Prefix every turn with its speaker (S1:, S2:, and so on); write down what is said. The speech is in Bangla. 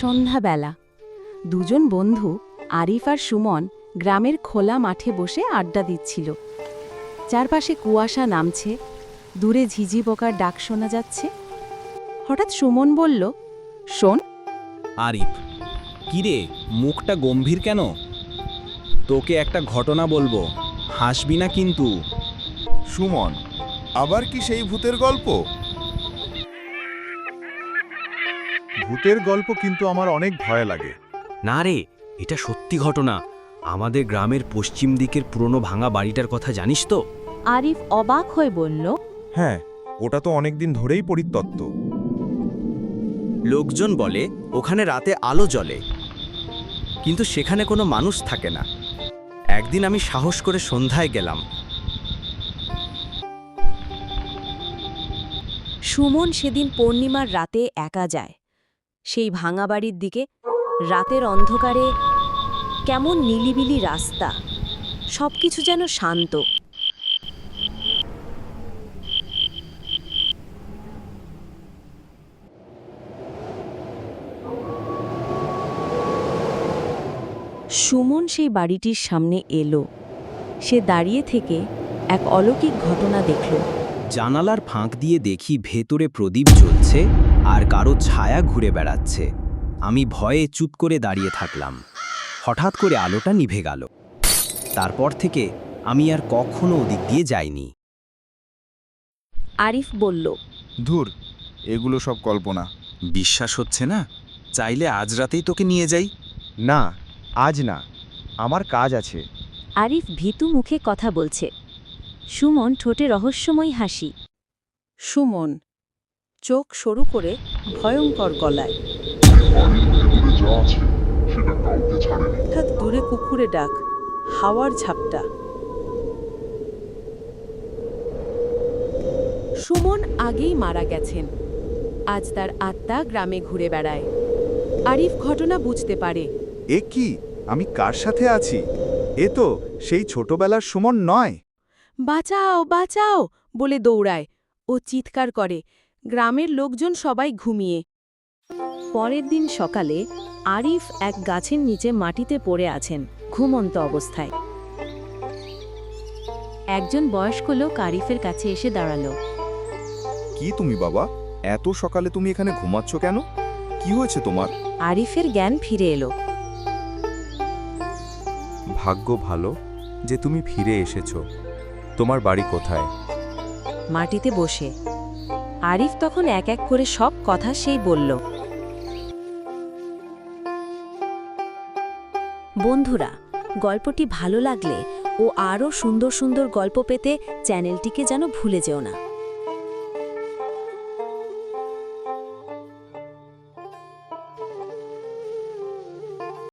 S1: সন্ধ্যাবেলা দুজন বন্ধু আরিফ আর সুমন গ্রামের খোলা মাঠে বসে আড্ডা দিচ্ছিল। চারপাশে কুয়াশা নামছে, দূরে ঝিঝি পোকার ডাক শোনা যাচ্ছে। হঠাৎ সুমন বলল, শোন।
S2: আরিফ, কিরে মুখটা গম্ভীর কেন? তোকে একটা ঘটনা বলবো, হাসবি না কিন্তু।
S3: সুমন, আবার কি সেই ভূতের গল্প? ভূতের গল্প কিন্তু আমার অনেক ভয় লাগে।
S4: না রে, এটা সত্যি ঘটনা। আমাদের গ্রামের পশ্চিম দিকের পুরনো ভাঙা বাড়িটার কথা জানিস তো?
S1: আরিফ অবাক হয়ে বলল,
S3: হ্যাঁ, ওটা তো অনেকদিন ধরেই পরিত্যক্ত।
S4: লোকজন বলে ওখানে রাতে আলো জ্বলে, কিন্তু সেখানে কোনো মানুষ থাকে না। একদিন আমি সাহস করে সন্ধ্যায় গেলাম।
S1: সুমন সেদিন পূর্ণিমার রাতে একা যায় সেই ভাঙা বাড়ির দিকে। রাতের অন্ধকারে কেমন নিলিবিলি রাস্তা, সবকিছু যেন শান্ত। সুমন সেই বাড়িটির সামনে এলো। সে দাঁড়িয়ে থেকে এক অলৌকিক ঘটনা দেখল।
S4: জানালার ফাঁক দিয়ে দেখি ভেতরে প্রদীপ জ্বলছে আর কারো ছায়া ঘুরে বেড়াচ্ছে। আমি ভয়ে চুপ করে দাঁড়িয়ে থাকলাম। হঠাৎ করে আলোটা নিভে গেল। তারপর থেকে আমি আর কখনো ওদিক দিয়ে যাইনি।
S1: আরিফ বলল,
S3: ধুর, এগুলো সব কল্পনা।
S2: বিশ্বাস হচ্ছে না? চাইলে আজ রাতেই তোকে নিয়ে যাই।
S3: না, আজ না, আমার কাজ আছে।
S1: আরিফ ভীতু মুখে কথা বলছে। সুমন ঠোঁটে রহস্যময় হাসি। সুমন চোখ সরু করে ভয়ঙ্কর গলায়, হঠাৎ দূরে কুকুরে ডাক, হাওয়ার ঝাপটা। সুমন আগেই মারা গেছেন। আজ তার আত্মা গ্রামে ঘুরে বেড়ায়। আরিফ ঘটনা বুঝতে পারে।
S3: এ কি, আমি কার সাথে আছি? এ তো সেই ছোটবেলার সুমন নয়।
S1: বাঁচাও বাঁচাও বলে দৌড়ায় ও চিৎকার করে। গ্রামের লোকজন সবাই ঘুমিয়ে। পরের দিন সকালে আরিফ এক গাছের নিচে মাটিতে পড়ে আছেন, ঘুমন্ত অবস্থায়। একজন বয়স্ক লোক আরিফের কাছে এসে দাঁড়ালো।
S3: কি তুমি বাবা, এত সকালে তুমি এখানে ঘুমাচ্ছ কেন? কি হয়েছে তোমার?
S1: আরিফের জ্ঞান ফিরে এলো।
S3: ভাগ্য ভালো যে তুমি ফিরে এসেছো। তোমার বাড়ি কোথায়?
S1: মাটিতে বসে। আরিফ তখন এক এক করে সব কথা সেই বলল। বন্ধুরা, গল্পটি ভালো লাগলে ও আরও সুন্দর সুন্দর গল্প পেতে চ্যানেলটিকে যেন ভুলে যেও না।